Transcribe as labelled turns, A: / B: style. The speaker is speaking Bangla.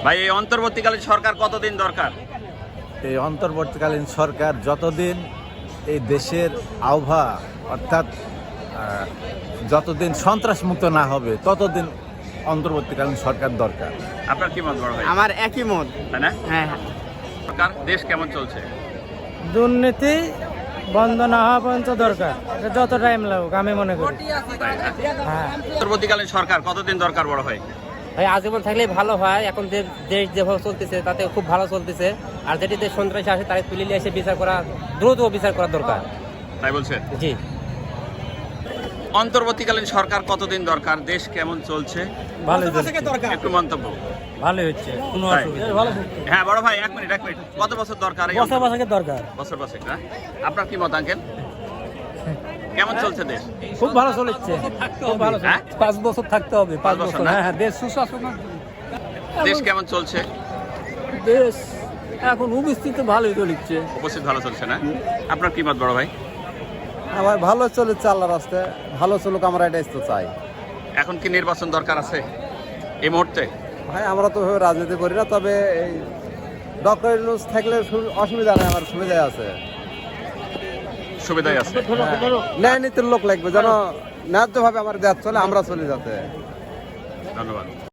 A: ভাই এই অন্তর্বর্তীকালীন সরকার কতদিন দরকার?
B: এই অন্তর্বর্তীকালীন সরকার যতদিন এই দেশের আবহাওয়া অর্থাৎ যতদিন সন্ত্রাস মুক্ত না হবে ততদিন অন্তর্বর্তীকালীন সরকার দরকার।
A: আপনার কি মত বড় ভাই?
C: আমার একই মত।
A: তাই না?
C: হ্যাঁ,
A: সরকার দেশ কেমন চলছে?
D: দুর্নীতি বন্ধ না হওয়া পর্যন্ত দরকার, এটা যত টাইম লাগুক আমি মনে করি। হ্যাঁ
A: অন্তর্বর্তীকালীন সরকার কতদিন দরকার বড় ভাই?
E: ভাই আজীবন থাকলেই ভালো হয়। এখন দেশ যেভাবে চলতেছে তাতে খুব ভালো চলতেছে। আর যেটিতে সন্ত্রাসী আসে তাকে তুলে নিয়ে এসে বিচার করা, দ্রুত বিচার করা দরকার।
A: তাই বলছেন?
E: জি।
A: অন্তর্বর্তীকালীন সরকার কতদিন দরকার? দেশ কেমন চলছে?
D: ভালোই
A: একটু মন্তব্য।
D: ভালোই হচ্ছে, কোনো
A: তাই?
D: অসুবিধা ভালো
A: হ্যাঁ বড় ভাই, এক মিনিট। কত বছর দরকার এই
D: বছর বছরের দরকার।
A: বছর বছর না? আপনার কি মত আঙ্কেল? কেমন চলছে দেশ?
D: খুব ভালো চলছে, খুব ভালো
A: হ্যাঁ?
D: 5 বছর থাকতে হবে, 5
A: পাঁচ বছর
D: বছর।
A: না?
D: হ্যাঁ, দেশ সুশাসন।
A: দেশ কেমন চলছে?
D: দেশ এখন উপস্থিত ভালোই চলছে।
A: উপস্থিত ভালো চলছে না? আপনার কি মত বড় ভাই?
B: আমার ভালো চলেছে আল্লাহর রাস্তায়, ভালো চলুক, আমরা এটাই তো চাই।
A: এখন কি নির্বাচন দরকার আছে এই মুহূর্তে?
B: ভাই আমরা তো রাজনীতি করি না, তবে এই ডক্টর ইউনূস থাকলে অসুবিধা নেই, আমার সুবিধাই আছে।
A: সুবিধাই আছে।
B: ন্যায় নীতির লোক লাগবে যেন ন্যায্যভাবে আমার দেশ চলে, আমরা চলে যাতে।
A: ধন্যবাদ।